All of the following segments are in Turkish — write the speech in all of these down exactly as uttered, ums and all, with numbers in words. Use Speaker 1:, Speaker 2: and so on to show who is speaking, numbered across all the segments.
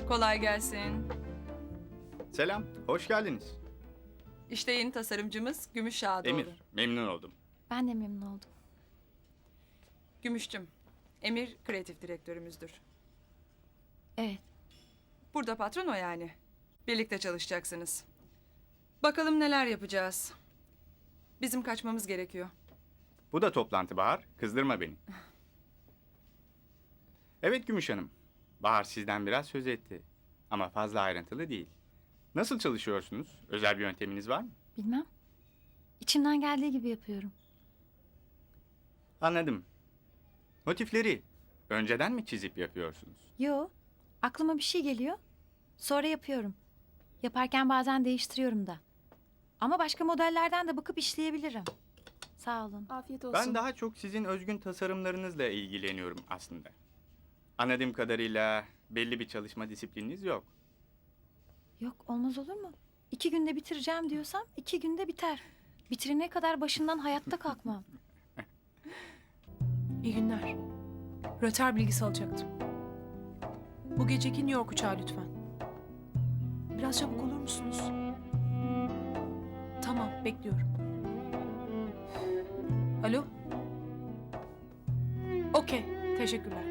Speaker 1: Kolay gelsin.
Speaker 2: Selam, hoş geldiniz.
Speaker 1: İşte yeni tasarımcımız Gümüş Şadoğlu.
Speaker 2: Emir, memnun oldum.
Speaker 3: Ben de memnun oldum.
Speaker 1: Gümüşçüm. Emir kreatif direktörümüzdür.
Speaker 3: Evet.
Speaker 1: Burada patron o yani. Birlikte çalışacaksınız. Bakalım neler yapacağız. Bizim kaçmamız gerekiyor.
Speaker 2: Bu da toplantı Bahar, kızdırma beni. Evet Gümüş Hanım, Bahar sizden biraz söz etti. Ama fazla ayrıntılı değil. Nasıl çalışıyorsunuz? Özel bir yönteminiz var mı?
Speaker 3: Bilmem. İçimden geldiği gibi yapıyorum.
Speaker 2: Anladım. Motifleri önceden mi çizip yapıyorsunuz?
Speaker 3: Yo. Aklıma bir şey geliyor. Sonra yapıyorum. Yaparken bazen değiştiriyorum da. Ama başka modellerden de bakıp işleyebilirim. Sağ olun.
Speaker 4: Afiyet olsun.
Speaker 2: Ben daha çok sizin özgün tasarımlarınızla ilgileniyorum aslında. Anladığım kadarıyla belli bir çalışma disiplininiz yok.
Speaker 3: Yok, olmaz olur mu? İki günde bitireceğim diyorsam iki günde biter. Bitirene kadar başından hayatta kalkmam.
Speaker 4: İyi günler. Röter bilgisi alacaktım. Bu geceki New York uçağı lütfen. Biraz çabuk olur musunuz? Tamam, bekliyorum. Alo? Okey, teşekkürler.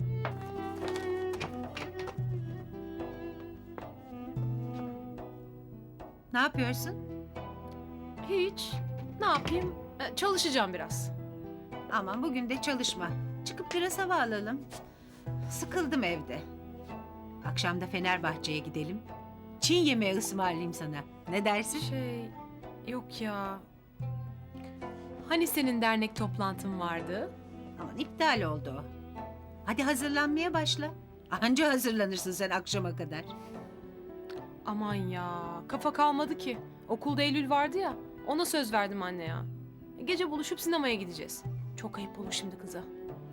Speaker 5: Ne yapıyorsun?
Speaker 4: Hiç. Ne yapayım? Ee, çalışacağım biraz.
Speaker 5: Aman bugün de çalışma. Çıkıp biraz hava alalım. Sıkıldım evde. Akşam da Fenerbahçe'ye gidelim. Çin yemeği ısmarlayayım sana. Ne dersin?
Speaker 4: Şey, yok ya. Hani senin dernek toplantın vardı?
Speaker 5: Aman iptal oldu o. Hadi hazırlanmaya başla. Anca hazırlanırsın sen akşama kadar.
Speaker 4: Aman ya, kafa kalmadı ki. Okulda Eylül vardı ya, ona söz verdim anne ya. Gece buluşup sinemaya gideceğiz. Çok ayıp olur şimdi kıza.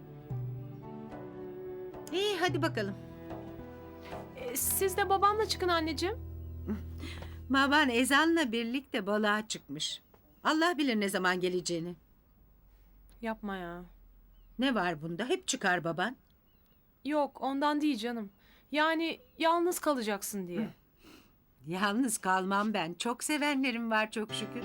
Speaker 5: İyi hadi bakalım.
Speaker 4: E, siz de babamla çıkın anneciğim.
Speaker 5: Baban ezanla birlikte balığa çıkmış. Allah bilir ne zaman geleceğini.
Speaker 4: Yapma ya.
Speaker 5: Ne var bunda? Hep çıkar baban.
Speaker 4: Yok, ondan değil canım. Yani yalnız kalacaksın diye.
Speaker 5: Yalnız kalmam ben. Çok sevenlerim var çok şükür.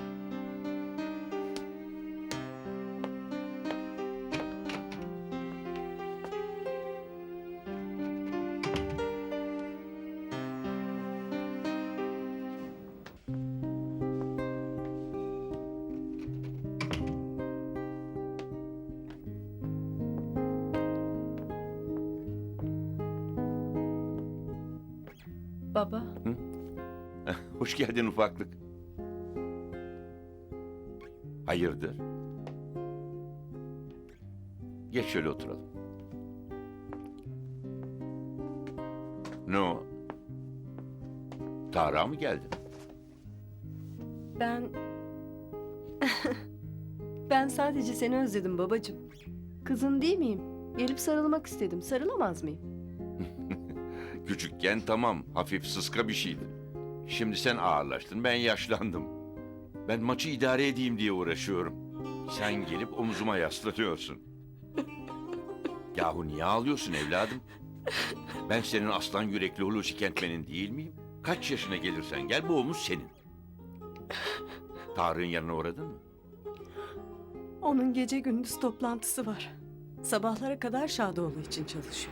Speaker 3: Baba.
Speaker 6: Hoş geldin ufaklık. Hayırdır? Geç şöyle oturalım. Ne o? Tarık'a mı geldin?
Speaker 7: Ben... ben sadece seni özledim babacığım. Kızın değil miyim? Gelip sarılmak istedim. Sarılamaz mıyım?
Speaker 6: Küçükken tamam, hafif sıska bir şeydi. Şimdi sen ağırlaştın, ben yaşlandım. Ben maçı idare edeyim diye uğraşıyorum. Sen gelip omzuma yaslanıyorsun. Yahu niye ağlıyorsun evladım? Ben senin aslan yürekli Hulusi Kentmen'in değil miyim? Kaç yaşına gelirsen gel, bu omuz senin. Tarık'ın yanına uğradın mı?
Speaker 7: Onun gece gündüz toplantısı var. Sabahlara kadar Şadoğlu için çalışıyor.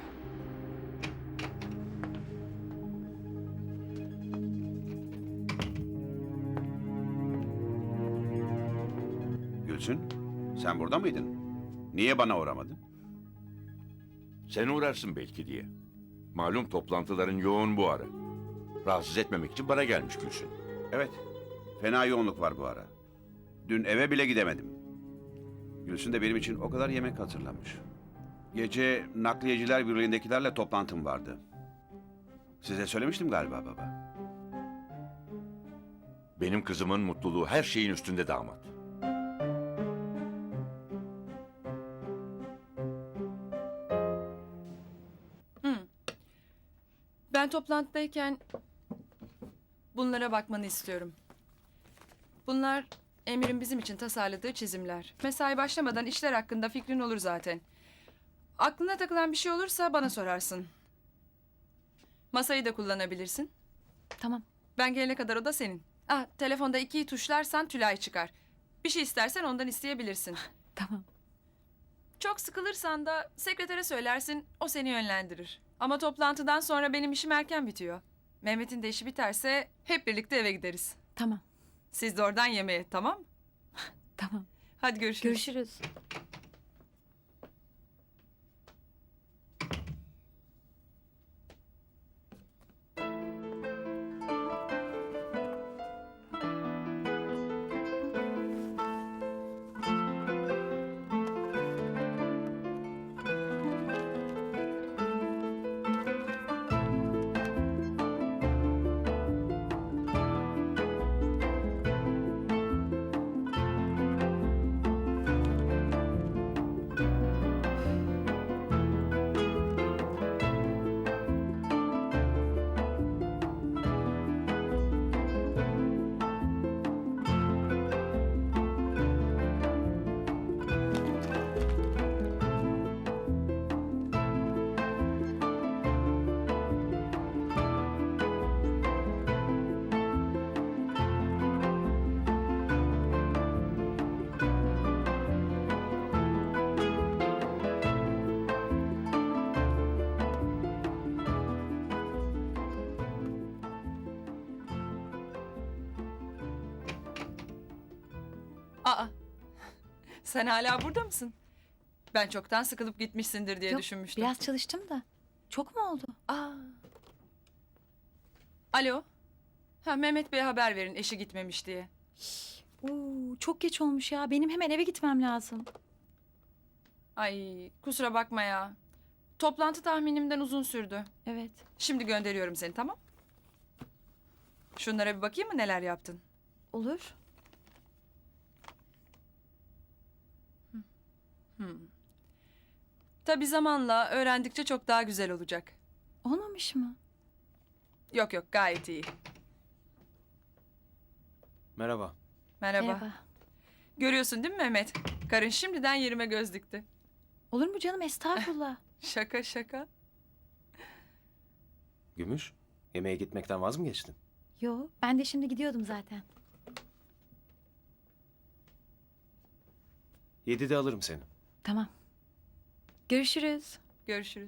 Speaker 8: Gülsün, sen burada mıydın? Niye bana uğramadın?
Speaker 6: Sen uğrarsın belki diye. Malum toplantıların yoğun bu ara. Rahatsız etmemek için bana gelmiş Gülsün.
Speaker 8: Evet, fena yoğunluk var bu ara. Dün eve bile gidemedim. Gülsün de benim için o kadar yemek hazırlamış. Gece Nakliyeciler Birliği'ndekilerle toplantım vardı. Size söylemiştim galiba baba.
Speaker 6: Benim kızımın mutluluğu her şeyin üstünde damat.
Speaker 1: Ben toplantıdayken bunlara bakmanı istiyorum. Bunlar Emir'in bizim için tasarladığı çizimler. Mesai başlamadan işler hakkında fikrin olur zaten. Aklına takılan bir şey olursa bana sorarsın. Masayı da kullanabilirsin.
Speaker 3: Tamam.
Speaker 1: Ben gelene kadar o da senin. Ah, telefonda ikiyi tuşlarsan Tülay çıkar. Bir şey istersen ondan isteyebilirsin.
Speaker 3: Tamam.
Speaker 1: Çok sıkılırsan da sekretere söylersin, o seni yönlendirir. Ama toplantıdan sonra benim işim erken bitiyor. Mehmet'in de işi biterse hep birlikte eve gideriz.
Speaker 3: Tamam.
Speaker 1: Siz de oradan yemeğe, tamam mı?
Speaker 3: Tamam.
Speaker 1: Hadi görüşürüz.
Speaker 3: Görüşürüz.
Speaker 1: Aa, sen hala burada mısın? Ben çoktan sıkılıp gitmişsindir diye
Speaker 3: Yok,
Speaker 1: düşünmüştüm.
Speaker 3: biraz çalıştım da. Çok mu oldu?
Speaker 1: Aa. Alo. Ha, Mehmet Bey'e haber verin eşi gitmemiş diye.
Speaker 3: Oo, çok geç olmuş ya. Benim hemen eve gitmem lazım.
Speaker 1: Ay, kusura bakma ya. Toplantı tahminimden uzun sürdü.
Speaker 3: Evet.
Speaker 1: Şimdi gönderiyorum seni, tamam? Şunlara bir bakayım mı neler yaptın?
Speaker 3: Olur.
Speaker 1: Hmm. Tabii zamanla öğrendikçe çok daha güzel olacak.
Speaker 3: Olmamış mı?
Speaker 1: Yok yok, gayet iyi.
Speaker 9: Merhaba.
Speaker 1: Merhaba.
Speaker 3: Merhaba.
Speaker 1: Görüyorsun değil mi Mehmet? Karın şimdiden yerime göz dikti.
Speaker 3: Olur mu canım? Estağfurullah.
Speaker 1: Şaka şaka.
Speaker 9: Gümüş, yemeğe gitmekten vaz mı geçtin?
Speaker 3: Yo, ben de şimdi gidiyordum zaten.
Speaker 9: Yedide alırım seni.
Speaker 3: Tamam. Görüşürüz.
Speaker 1: Görüşürüz.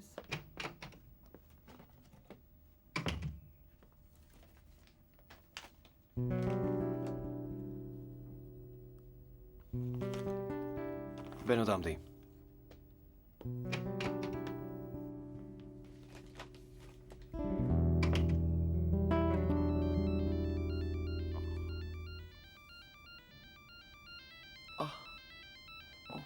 Speaker 9: Ben odamdayım. Ah. Oh.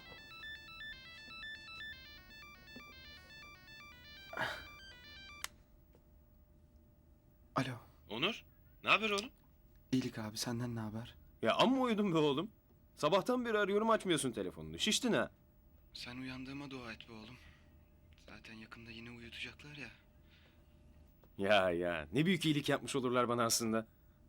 Speaker 10: Alo.
Speaker 9: Onur, ne haber oğlum?
Speaker 10: İyilik abi, senden ne haber?
Speaker 9: Ya amma uyudun be oğlum. Sabahtan beri arıyorum açmıyorsun telefonunu. Şiştin ha.
Speaker 10: Sen uyandığıma dua et be oğlum. Zaten yakında yine uyutacaklar ya.
Speaker 9: Ya ya ne büyük iyilik yapmış olurlar bana aslında.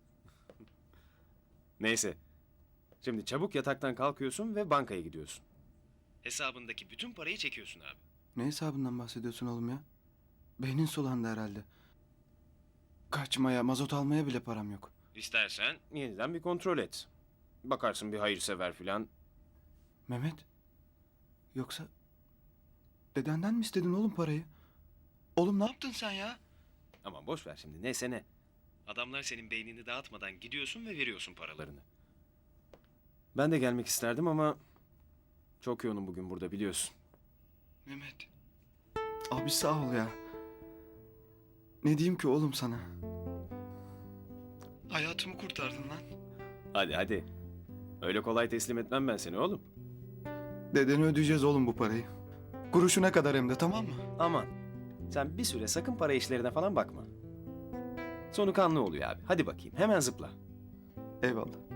Speaker 9: Neyse. Şimdi çabuk yataktan kalkıyorsun ve bankaya gidiyorsun. Hesabındaki bütün parayı çekiyorsun abi.
Speaker 10: Ne hesabından bahsediyorsun oğlum ya? Beynin sulandı herhalde. Kaçmaya, mazot almaya bile param yok.
Speaker 9: İstersen yeniden bir kontrol et. Bakarsın bir hayırsever filan.
Speaker 10: Mehmet. Yoksa dedenden mi istedin oğlum parayı? Oğlum ne yaptın sen ya?
Speaker 9: Aman boş ver şimdi neyse ne. Adamlar senin beynini dağıtmadan gidiyorsun ve veriyorsun paralarını. Ben de gelmek isterdim ama çok yoğunum bugün burada biliyorsun.
Speaker 10: Mehmet. Abi sağ ol ya. Ne diyeyim ki oğlum sana? Hayatımı kurtardın lan.
Speaker 9: Hadi hadi. Öyle kolay teslim etmem ben seni oğlum.
Speaker 10: Dedene ödeyeceğiz oğlum bu parayı. Kuruşuna kadar hem de, tamam mı?
Speaker 9: Aman. Sen bir süre sakın para işlerine falan bakma. Sonu kanlı oluyor abi. Hadi bakayım hemen zıpla.
Speaker 10: Eyvallah.